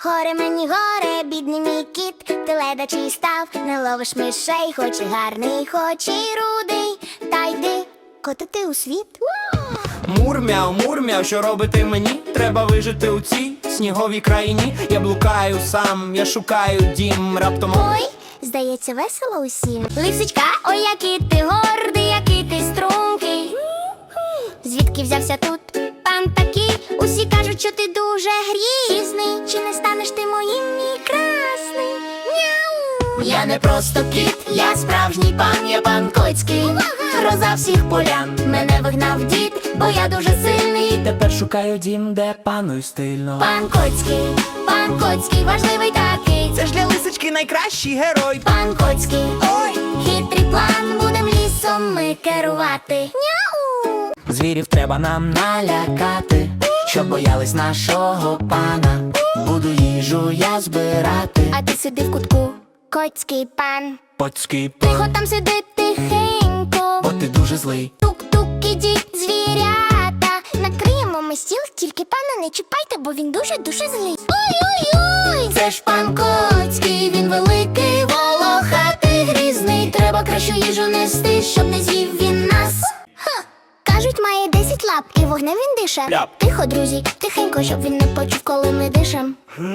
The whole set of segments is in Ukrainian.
Горе мені горе, бідний мій кіт, ти ледачий став, не ловиш мишей, хоч і гарний, хоч і рудий. Та йди котити у світ. Мур-мяу, що робити мені? Треба вижити у цій сніговій країні. Я блукаю сам, я шукаю дім, раптом... Ой, здається, весело усім. Лисичка, ой, який ти гордий, який ти стрункий. Звідки взявся тут пан такий? Усі кажуть, що ти дуже грізний. Чи не станеш ти моїм, мій красний? Няу! Я не просто кіт, я справжній пан, я пан Коцький. Гроза всіх полян, мене вигнав дід, бо я дуже сильний. Тепер шукаю дім, де паную стильно. Пан Коцький, важливий такий. Це ж для лисички найкращий герой. Пан Коцький, Ой! хитрий план, будем лісом ми керувати. Няу! Звірів треба нам налякати, щоб боялись нашого пана. Буду їжу я збирати. А ти сиди в кутку, коцький пан. Поцький пан, Тихо там сиди тихенько. бо ти дуже злий. Тук-тук, ідіть, звірята. Накриємо ми стіл, тільки пана не чіпайте, бо він дуже-дуже злий. Ой-ой-ой! Це ж пан Коцький, він великий, волохатий, грізний. Треба кращу їжу нести, щоб не з'їв він нас. Кажуть, має 10 лап і вогнем він дише. Ляп. Тихо, друзі, тихенько, щоб він не почув, коли ми дишем.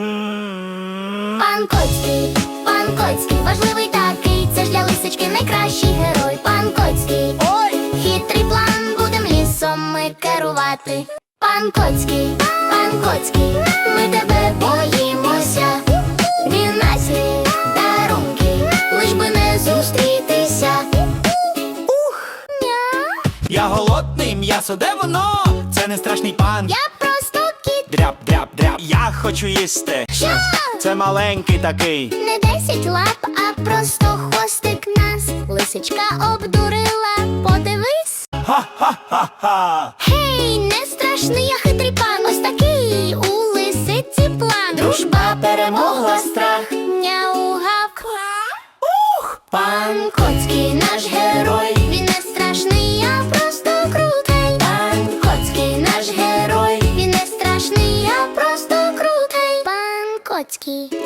Пан Коцький, важливий такий. Це ж для лисички найкращий герой. Пан Коцький, Ой! хитрий план, будем лісом ми керувати. Пан Коцький, ми тебе боїмося. Він наші дарунки, лиш би не зустрітися. Я голодний, м'ясо, де воно? Це не страшний пан. Я просто кіт. Дряп. Я хочу їсти. Що? Це маленький такий. Не 10 лап, а просто хвостик нас. Лисичка обдурила, подивись. Ха-ха-ха-ха. Гей, не страшний, я хитрий пан. Ось такий у лисиці план. Дружба перемогла страх. Няугав. Пан Коцький, наш герой. Він не страшний, я просто крутий. Пан Коцький, наш герой. Він не страшний, я просто крутий. Пан Коцький.